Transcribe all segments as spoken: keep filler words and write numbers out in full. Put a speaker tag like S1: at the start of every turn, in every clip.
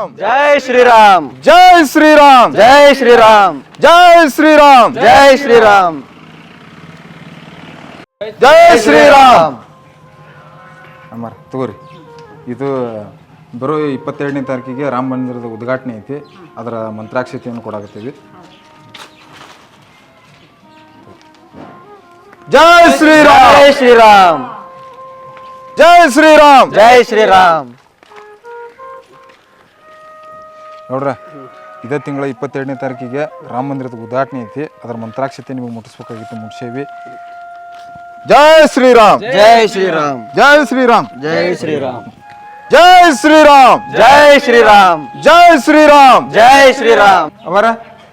S1: ಶ್ರೀರಾಮ್
S2: ಜೈ ಶ್ರೀರಾಮ್
S1: ಜೈ ಶ್ರೀರಾಮ್
S2: ಜೈ ಶ್ರೀರಾಮ್
S1: ಜೈ ಶ್ರೀರಾಮ್
S2: ಜೈ ಶ್ರೀರಾಮ್
S1: ಜೈ ಶ್ರೀರಾಮ್ ಅಮ್ಮಾರ ತಗೋರಿ ಇದು ಬರೋ ಇಪ್ಪತ್ತೆರಡನೇ ತಾರೀಕಿಗೆ ರಾಮ ಮಂದಿರದ ಉದ್ಘಾಟನೆ ಐತಿ. ಅದರ ಮಂತ್ರಾಕ್ಷತೆಯನ್ನು ಕೊಡಾಕತ್ತೀವಿ. ಜೈ ಶ್ರೀರಾಮ್
S2: ಜೈ ಶ್ರೀರಾಮ್
S1: ಜೈ ಶ್ರೀರಾಮ್
S2: ಜೈ ಶ್ರೀರಾಮ್.
S1: ನೋಡ್ರ ಇದೇ ತಿಂಗಳ ಇಪ್ಪತ್ತೆರಡನೇ ತಾರೀಕಿಗೆ ರಾಮ ಮಂದಿರದ ಉದ್ಘಾಟನೆ ಐತಿ. ಅದರ ಮಂತ್ರಾಕ್ಷತೆ ನಿಮಗೆ ಮುಟ್ಟಿಸ್ಬೇಕಾಗಿತ್ತು, ಮುಟ್ಸೇವಿ. ಜೈ ಶ್ರೀರಾಮ್
S2: ಜೈ ಶ್ರೀರಾಮ್
S1: ಜೈ ಶ್ರೀರಾಮ್
S2: ಜೈ ಶ್ರೀರಾಮ್
S1: ಜೈ ಶ್ರೀರಾಮ್
S2: ಜೈ ಶ್ರೀರಾಮ್
S1: ಜೈ ಶ್ರೀರಾಮ್
S2: ಜೈ ಶ್ರೀರಾಮ್.
S1: ಅವರ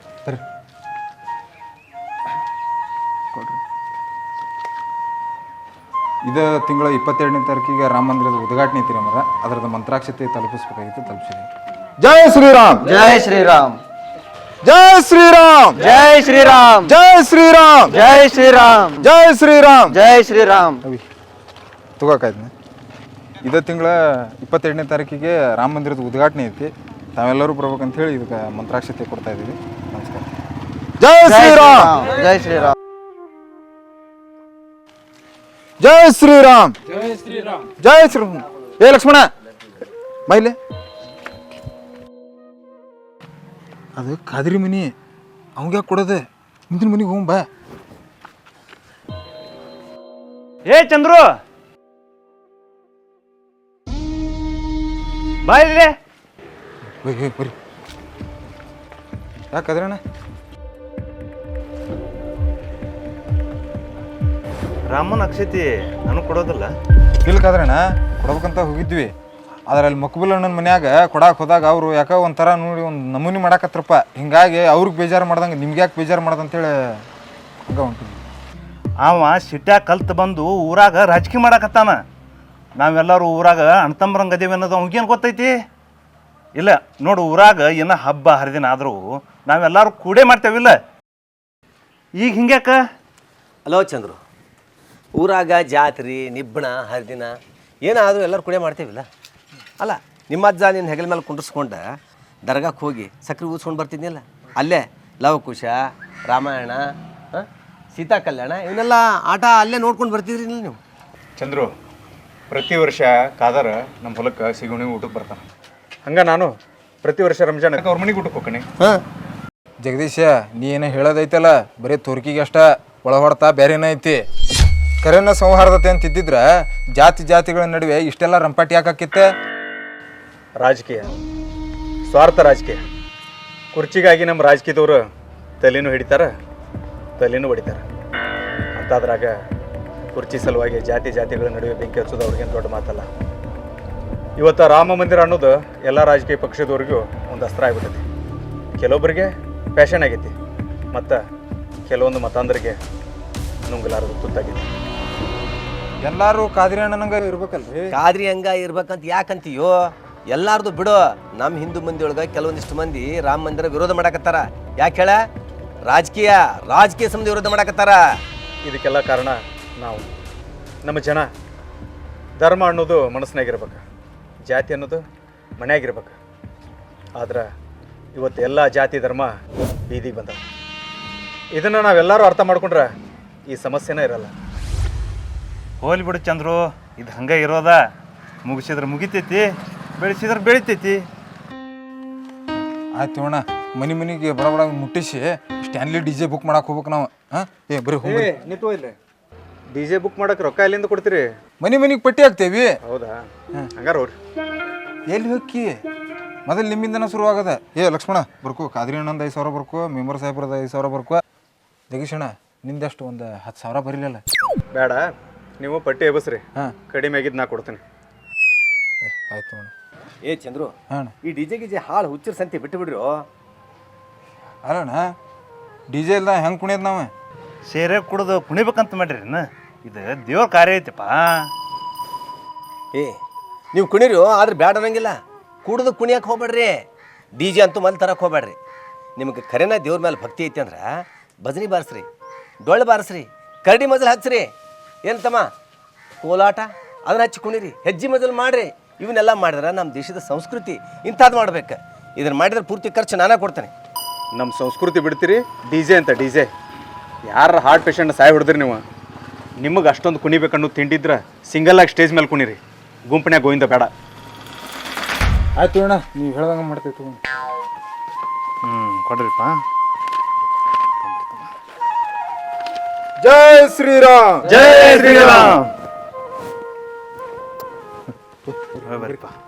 S1: ಇದೇ ತಿಂಗಳ ಇಪ್ಪತ್ತೆರಡನೇ ತಾರೀಕಿಗೆ ರಾಮ ಮಂದಿರದ ಉದ್ಘಾಟನೆ ಐತಿ ಮರ. ಅದರದ ಮಂತ್ರಾಕ್ಷತೆ ತಲುಪಿಸ್ಬೇಕಾಗಿತ್ತು, ತಲುಪಿಸಿದೆ. ಜೈ ಶ್ರೀರಾಮ್
S2: ಜೈ ಶ್ರೀರಾಮ್
S1: ಜೈ ಶ್ರೀರಾಮ್
S2: ಜೈ ಶ್ರೀರಾಮ್
S1: ಜೈ ಶ್ರೀರಾಮ್
S2: ಜೈ ಶ್ರೀರಾಮ್
S1: ಜೈ ಶ್ರೀರಾಮ್
S2: ಜೈ ಶ್ರೀರಾಮ್.
S1: ಅವಿ ತಗೋಕಾಯ್ತು. ಇದೇ ತಿಂಗಳ ಇಪ್ಪತ್ತೆರಡನೇ ತಾರೀಕಿಗೆ ರಾಮ ಮಂದಿರದ ಉದ್ಘಾಟನೆ ಐತಿ. ತಾವೆಲ್ಲರೂ ಬರ್ಬೇಕಂತ ಹೇಳಿ ಇದಕ್ಕೆ ಮಂತ್ರಾಕ್ಷತೆ ಕೊಡ್ತಾ ಇದ್ದೀವಿ. ನಮಸ್ಕಾರ. ಜೈ ಶ್ರೀರಾಮ್
S2: ಜೈ ಶ್ರೀರಾಮ್
S1: ಜೈ ಶ್ರೀರಾಮ್ ಜೈ ಶ್ರೀರಾಮ್ ಜೈ ಶ್ರೀರಾಮ್. ಏ ಲಕ್ಷ್ಮಣ ಮೈಲೆ ಅದು ಕಾದ್ರಿ ಮನಿ ಅವಂಗ ಕೊಡೋದೆ. ಮುಂದಿನ ಮನಿಗೆ ಹೋಗ್ ಬಾ.
S2: ಏ ಚಂದ್ರು ಬಾಯ್ರಿ.
S1: ಬರ್ರಿ. ಯಾಕದ್ರಣ್ಣ
S2: ರಾಮನ ಅಕ್ಷತಿ ನನಗೆ ಕೊಡೋದಿಲ್ಲ.
S1: ಇಲ್ಕಾದ್ರಣ್ಣ ಕೊಡ್ಬೇಕಂತ ಹೋಗಿದ್ವಿ. ಆದ್ರೆ ಅಲ್ಲಿ ಮಕ್ಬುಲ್ ಅಣ್ಣನ ಮನ್ಯಾಗ ಕೊಡಾಕ್ ಹೋದಾಗ ಅವರು ಯಾಕೆ ಒಂಥರ ನೋಡಿ ಒಂದು ನಮೂನಿ ಮಾಡಾಕತ್ರಪ್ಪ. ಹಿಂಗಾಗಿ ಅವ್ರಿಗೆ ಬೇಜಾರು ಮಾಡ್ದಂಗೆ ನಿಮ್ಗೆ ಯಾಕೆ ಬೇಜಾರು ಮಾಡ್ದಂತೇಳಿ ಹಂಗೆ ಹೊಂಟಿದ್ವಿ.
S3: ಅವ ಸಿಟ್ಯಾಗ ಕಲ್ತು ಬಂದು ಊರಾಗ ರಾಜಕೀಯ ಮಾಡಾಕತ್ತಾನ. ನಾವೆಲ್ಲರೂ ಊರಾಗ ಅಣ್ತಂಬ್ರಂಗೆ ಅದೇವಿ ಅನ್ನೋದು ಅವ್ಗೇನು ಗೊತ್ತೈತಿ? ಇಲ್ಲ ನೋಡು, ಊರಾಗ ಏನೋ ಹಬ್ಬ ಹರಿದಿನ ಆದರೂ ನಾವೆಲ್ಲರೂ ಕೂಡೇ ಮಾಡ್ತೇವಿಲ್ಲ. ಈಗ ಹಿಂಗ್ಯಾಕ?
S4: ಹಲೋ ಚಂದ್ರು, ಊರಾಗ ಜಾತ್ರೆ ನಿಬ್ಬಣ ಹರಿದಿನ ಏನಾದರೂ ಎಲ್ಲರೂ ಕುಡಿಯೋ ಮಾಡ್ತೇವಿಲ್ಲ. ಅಲ್ಲ ನಿಮ್ಮ ಅಜ್ಜ ನಿನ್ನ ಹೆಗಲ ಮೇಲೆ ಕುಂಡ್ರಿಸ್ಕೊಂಡು ದರ್ಗಾಕ್ಕೆ ಹೋಗಿ ಸಕ್ರೆ ಊದ್ಸ್ಕೊಂಡು ಬರ್ತಿದ್ನಿಲ್ಲ. ಅಲ್ಲೇ ಲವಕುಶ, ರಾಮಾಯಣ, ಸೀತಾ ಕಲ್ಯಾಣ ಇವನ್ನೆಲ್ಲ ಆಟ ಅಲ್ಲೇ ನೋಡ್ಕೊಂಡು ಬರ್ತಿದ್ರಿ ನೀವು.
S5: ಚಂದ್ರು, ಪ್ರತಿ ವರ್ಷ ಕಾದರ ನಮ್ಮ ಹೊಲಕ್ಕೆ ಸಿಗುಣಿ ಊಟಕ್ಕೆ ಬರ್ತಾನೆ. ಹಂಗೆ ನಾನು ಪ್ರತಿ ವರ್ಷ ರಂಜಾನಕ್ಕೆ ಅವ್ರ ಮನೆಗೆ ಊಟಕ್ಕೆ ಹೋಗ್ತೀನಿ.
S4: ಹಾಂ
S1: ಜಗದೀಶ, ನೀ ಏನೋ ಹೇಳೋದೈತಲ್ಲ ಬರೀ ತೋರ್ಕಿಗೆ ಅಷ್ಟ, ಒಳ ಹೊಡ್ತಾ ಬೇರೆನೇ ಐತಿ. ಕರೆನ ಸೌಹಾರ್ದತೆ ಅಂತ ಇದ್ದಿದ್ರೆ ಜಾತಿ ಜಾತಿಗಳ ನಡುವೆ ಇಷ್ಟೆಲ್ಲ ರಂಪಾಟಿ ಯಾಕಾಕಿತ್ತೆ?
S5: ರಾಜಕೀಯ, ಸ್ವಾರ್ಥ ರಾಜಕೀಯ. ಕುರ್ಚಿಗಾಗಿ ನಮ್ಮ ರಾಜಕೀಯದವರು ತಲೆನೂ ಹಿಡಿತಾರೆ, ತಲೆನೂ ಹೊಡಿತಾರೆ. ಅಂತಾದ್ರಾಗ ಕುರ್ಚಿ ಸಲುವಾಗಿ ಜಾತಿ ಜಾತಿಗಳ ನಡುವೆ ಬೆಂಕಿ ಹಚ್ಚೋದು ಅವ್ರಿಗೇನು ದೊಡ್ಡ ಮಾತಲ್ಲ. ಇವತ್ತು ರಾಮ ಮಂದಿರ ಅನ್ನೋದು ಎಲ್ಲ ರಾಜಕೀಯ ಪಕ್ಷದವ್ರಿಗೂ ಒಂದು ಅಸ್ತ್ರ ಆಗ್ಬಿಟ್ಟೈತಿ. ಕೆಲವೊಬ್ಬರಿಗೆ ಪ್ಯಾಷನ್ ಆಗೈತಿ, ಮತ್ತು ಕೆಲವೊಂದು ಮತಾಂಧರಿಗೆ ನುಂಗಲಾರದು ತುತ್ತಾಗೈತಿ.
S1: ಎಲ್ಲರೂ ಕಾದ್ರಿ ಅಣ್ಣನಂಗ ಇರ್ಬೇಕಲ್ರಿ.
S4: ಕಾದ್ರಿ ಹಂಗ ಇರ್ಬೇಕಂತ ಯಾಕಂತೀಯೋ? ಎಲ್ಲಾರ್ದು ಬಿಡು. ನಮ್ಮ ಹಿಂದೂ ಮಂದಿ ಒಳಗೆ ಕೆಲವೊಂದಿಷ್ಟು ಮಂದಿ ರಾಮ ಮಂದಿರ ವಿರೋಧ ಮಾಡಾಕತ್ತಾರ. ಯಾಕೆ ಹೇಳ? ರಾಜಕೀಯ ರಾಜಕೀಯ ಸಂಬಂಧ ವಿರೋಧ ಮಾಡಾಕತ್ತಾರ.
S5: ಇದಕ್ಕೆಲ್ಲ ಕಾರಣ ನಾವು, ನಮ್ಮ ಜನ. ಧರ್ಮ ಅನ್ನೋದು ಮನಸ್ಸಿನಾಗಿರ್ಬೇಕು, ಜಾತಿ ಅನ್ನೋದು ಮನೆಯಾಗಿರ್ಬೇಕು. ಆದ್ರೆ ಇವತ್ತು ಎಲ್ಲ ಜಾತಿ ಧರ್ಮ ಬೀದಿಗೆ ಬಂದ. ಇದನ್ನು ನಾವೆಲ್ಲರೂ ಅರ್ಥ ಮಾಡ್ಕೊಂಡ್ರೆ ಈ ಸಮಸ್ಯೆನೇ ಇರಲ್ಲ.
S3: ಹೋಲಿ ಬಿಡು ಚಂದ್ರು, ಇದು ಹಂಗೆ ಇರೋದ. ಮುಗಿಸಿದ್ರೆ ಮುಗಿತೈತಿ, ಬೆಳೆಸಿದ್ರೆ ಬೆಳಿತೈತಿ.
S1: ಆಯ್ತು ಅಣ್ಣ, ಮನೆ ಮನೆಗೆ ಬಡ ಬಡ ಮುಟ್ಟಿಸಿ ಸ್ಟ್ಯಾನ್ಲಿ ಡಿ ಜೆ ಬುಕ್ ಮಾಡಕ್ಕೆ ಹೋಗ್ಬೇಕು ನಾವು. ಹಾಂ ಏ ಬರೀ ಹೋಗಿ
S5: ನಿಂತು ಇಲ್ಲ ಡಿ ಜೆ ಬುಕ್ ಮಾಡಕ್ಕೆ ರೊಕ್ಕ ಎಲ್ಲಿಂದ ಕೊಡ್ತೀರಿ?
S1: ಮನೆ ಮನೆಗೆ ಪಟ್ಟಿ ಹಾಕ್ತೇವಿ.
S5: ಹೌದಾ? ಹಂಗಾರ ಹೋಗ್ರಿ.
S1: ಎಲ್ಲಿ ಹೋಗಿ ಮೊದಲು ನಿಮ್ಮಿಂದನ ಶುರುವಾಗದ. ಏ ಲಕ್ಷ್ಮಣ ಬರ್ಕೋ, ಕಾದ್ರಿ ಅಣ್ಣಂದು ಐದು ಸಾವಿರ ಬರ್ಕೋ, ಮೆಂಬರ್ ಸಾಹೇಬ್ರದ ಐದು ಸಾವಿರ ಬರ್ಕೋ. ಜಗೀಶಣ್ಣ ನಿಂದಷ್ಟು ಒಂದು ಹತ್ತು ಸಾವಿರ ಬರೀಲಿಲ್ಲ.
S5: ಬೇಡ, ನೀವು ಪಟ್ಟಿ ಎಬಸ್ರಿ.
S1: ಹಾಂ
S5: ಕಡಿಮೆ ಆಗಿದ್ದು ನಾ ಕೊಡ್ತೀನಿ.
S1: ಆಯ್ತು ಅಣ್ಣ.
S4: ಏ ಚಂದ್ರು,
S1: ಹಾಂ
S4: ಈ ಡಿಜೆ ಗಿಜೆ ಹಾಳು ಹುಚ್ಚರ ಸಂತೆ ಬಿಟ್ಟು ಬಿಡ್ರಿ.
S1: ಅಲ್ಲಣ್ಣ, ಡಿ ಜೆ ಇಲ್ದ ಹೆಂಗೆ ಕುಣಿಯೋದು ನಾವು?
S3: ಸೇರೆ ಕುಡ್ದು ಕುಣಿಬೇಕಂತ ಮಾಡ್ರಿ. ಇದು ದೇವ್ರ ಕಾರ್ಯ ಐತಿಪ್ಪ.
S4: ಏ ನೀವು ಕುಣಿರಿ, ಆದ್ರೆ ಬ್ಯಾಡ ಅನ್ನಂಗಿಲ್ಲ. ಕುಡ್ದು ಕುಣಿಯಕ್ಕೆ ಹೋಗ್ಬೇಡ್ರಿ. ಡಿ ಜೆ ಅಂತೂ ಮಲ್ಲಿ ತರಕ್ಕೆ ಹೋಗ್ಬೇಡ್ರಿ. ನಿಮಗೆ ಖರೇನ ದೇವ್ರ ಮೇಲೆ ಭಕ್ತಿ ಐತಿ ಅಂದ್ರೆ ಭಜನಿ ಬಾರಿಸ್ರಿ, ಡೊಳ್ಳು ಬಾರಿಸ್ರಿ, ಕರಡಿ ಮಜಲ್ ಹಚ್ಚ್ರಿ. ಏನು ತಮ್ಮ ಕೋಲಾಟ ಅದನ್ನ ಹಚ್ಚಿ ಕುಣಿರಿ, ಹೆಜ್ಜೆ ಮಜಲ್ ಮಾಡಿರಿ. ಇವನ್ನೆಲ್ಲ ಮಾಡಿದ್ರೆ ನಮ್ಮ ದೇಶದ ಸಂಸ್ಕೃತಿ ಇಂಥದ್ದು ಮಾಡ್ಬೇಕು. ಇದನ್ನು ಮಾಡಿದ್ರೆ ಪೂರ್ತಿ ಖರ್ಚು ನಾನೇ ಕೊಡ್ತೇನೆ.
S5: ನಮ್ಮ ಸಂಸ್ಕೃತಿ ಬಿಡ್ತೀರಿ ಡಿ ಜೆ ಅಂತ ಡಿ ಜೆ. ಯಾರ ಹಾರ್ಟ್ ಪೇಷಂಟ್ ಸಾಯ್ ಹೊಡೆದ್ರಿ ನೀವು? ನಿಮಗೆ ಅಷ್ಟೊಂದು ಕುಣಿಬೇಕನ್ನೋ ತಿಂಡಿದ್ರೆ ಸಿಂಗಲಾಗಿ ಸ್ಟೇಜ್ ಮೇಲೆ ಕುಣಿರಿ, ಗುಂಪನ್ಯಾಗ ಗೋವಿಂದ ಬೇಡ.
S1: ಆಯ್ತು ಅಣ್ಣ, ನೀವು ಹೇಳ್ದಂಗೆ ಮಾಡ್ತೈತಿ.
S3: ಹ್ಞೂ ಕೊಡ್ರಿಪ್ಪ.
S1: ಜೈ ಶ್ರೀರಾಮ್.
S3: ಜೈ ಶ್ರೀರಾಮ್. ಬರ್ರಿಪ್ಪ.